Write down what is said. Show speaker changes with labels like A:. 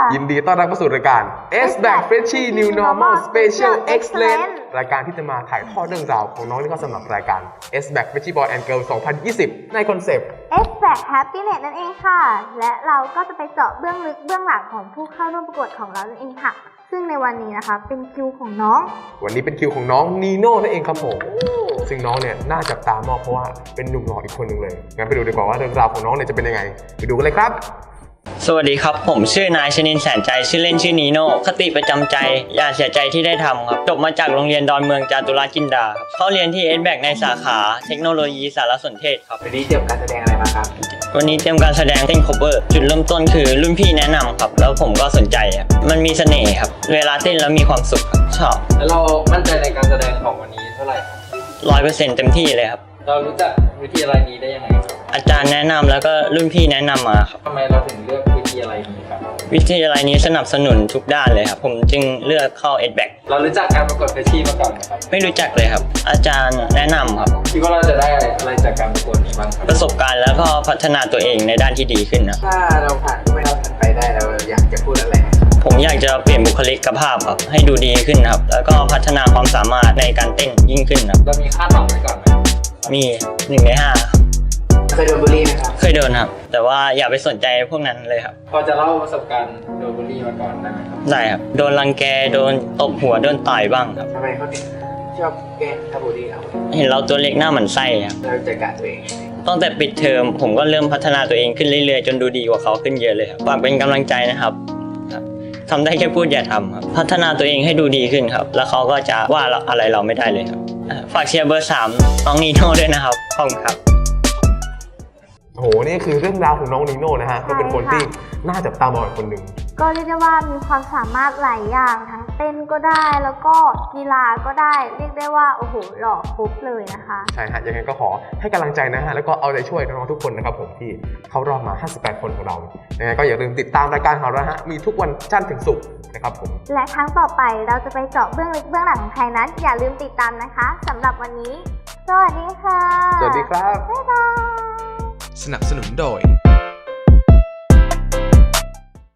A: ยินดีต้อนรับเข้าสู่รายการ S-Back Freshie New Normal Special Excellence รายการที่จะมาถ่ายทอดเรื่องราวของน้องที่เข้าสมัครรายการ S-Back Freshie Boy and Girl 2020 ในคอนเซปต์
B: S-Back Happiness นั่นเองค่ะและเราก็จะไปเจาะเบื้องลึกเบื้องหลังของผู้เข้าร่วมประกวดของเรานั่นเองค่ะซึ่งในวันนี้นะคะเป็นคิวของน้อง
A: วันนี้เป็นคิวของน้องนีโน่นั่นเองครับผมซึ่งน้องเนี่ยน่าจับตามองเพราะว่าเป็นหนุ่มหล่ออีกคนหนึ่งเลยงั้นไปดูดีกว่าว่าเรื่องราวของน้องเนี่ยจะเป็นยังไงไปดูกันเลยครับ
C: สวัสดีครับผมชื่อนายชนินทร์แสนใจชื่อเล่นชื่อนีโน่คติประจำใจอย่าเสียใจที่ได้ทำครับจบมาจากโรงเรียนดอนเมืองจาตุรจินดาครับเข้าเรียนที่ S-Back ในสาขาเทคโนโลยีสารสนเทศครับ
D: วันนี้เตรียมการแสดงอะไรมาครับ
C: วันนี้เตรียมการแสดงเต้น cover จุดเริ่มต้นคือรุ่นพี่แนะนำครับแล้วผมก็สนใจครับมันมีเสน่ห์ครับเวลาเต้นแล้วมีความสุขครับชอบ
D: แล้วเรามั่นใจในการแสดงของวันนี้เท่าไหร่
C: 100%เต็มที่เลยครับ
D: เรารู้จักวิทยาลัยนี้ได้ยังไงครับ
C: อาจารย์แนะนำแล้วก็รุ่นพี่แนะนำมาครับ
D: ทำไมเราถึงเลือกวิทยาลัยนี้ครับ
C: วิทยาลัยนี้สนับสนุนทุกด้านเลยครับผมจึงเลือกเข้า S-Back
D: เรารู้จักการประกวดเฟชชี่มาก่อนไหมครับ
C: ไม่รู้จักเลยครับอาจารย์แนะนำครับ
D: คิดว่าเราจะได้อะไรจากการประกวดนี้บ้างครับ
C: ประสบการณ์แล้วก็พัฒนาตัวเองในด้านที่ดีขึ้นนะ
D: ถ้าเราผ่านไม่เราผ่านไปได้เราอยากจะพูดอะไรครับ
C: ผมอยากจะเปลี่ยนบุคลิกภาพครับให้ดูดีขึ้นครับแล้วก็พัฒนาความสามารถในการเต้นยิ่งขึ้นครับ
D: เรามีคาดหวังไว้ก่อนไหม
C: มี1 ใน 5
D: เคยโดนบูลลี่ไหมครับ
C: เคยโดนครับแต่ว่าอย่าไปสนใจพวกนั้นเลยครับ
D: พอจะเล่าประสบการณ์โดนบูลลี่มาก่อนได้ไหมครับ
C: ได้ครับโดนรังแกโดนตบหัวโดนต่อยบ้างครับ
D: ทำไมเขาถึงชอบแกล้งบูลลี่เรา
C: เห็นเราตัวเล็กหน้าหมันไส้ครับ
D: เราจัดการตัวเอง
C: ตั้งแต่ปิดเทอมผมก็เริ่มพัฒนาตัวเองขึ้นเรื่อยๆจนดูดีกว่าเขาขึ้นเยอะเลยครับฝากเป็นกำลังใจนะครับทำได้แค่พูดอย่าทำครับพัฒนาตัวเองให้ดูดีขึ้นครับแล้วเขาก็จะว่าอะไรเราไม่ได้เลยครับฝากเชียร์เบอร์ 3น้องนีโน่ด้วยนะครับขอบคุณครับ
A: โอ้โหนี่คือเรื่องราวของน้องนีโน่นะฮะก็เป็นคนที่น่าจับตามองคนหนึ่ง
B: ก็เรียกได้ว่ามีความสามารถหลายอย่างทั้งเต้นก็ได้แล้วก็กีฬาก็ได้เรียกได้ว่าโอ้โหหล่อครบเลยนะคะ
A: ใช่ฮะยังไงก็ขอให้กำลังใจนะฮะแล้วก็เอาใจช่วยน้องๆทุกคนนะครับผมที่เข้ารอบมา58คนของเรายังไงก็อย่าลืมติดตามรายการของเรานะฮะมีทุกวันจันทร์ถึงศุกร์นะครับผม
B: และครั้งต่อไปเราจะไปเจาะเบื้องลึกเบื้องหลังของใครนั้นอย่าลืมติดตามนะคะสำหรับวันนี้สวัสดีค่ะ
A: สวัสดีครับ
B: บ๊ายบาย
E: สนับสนุนโดย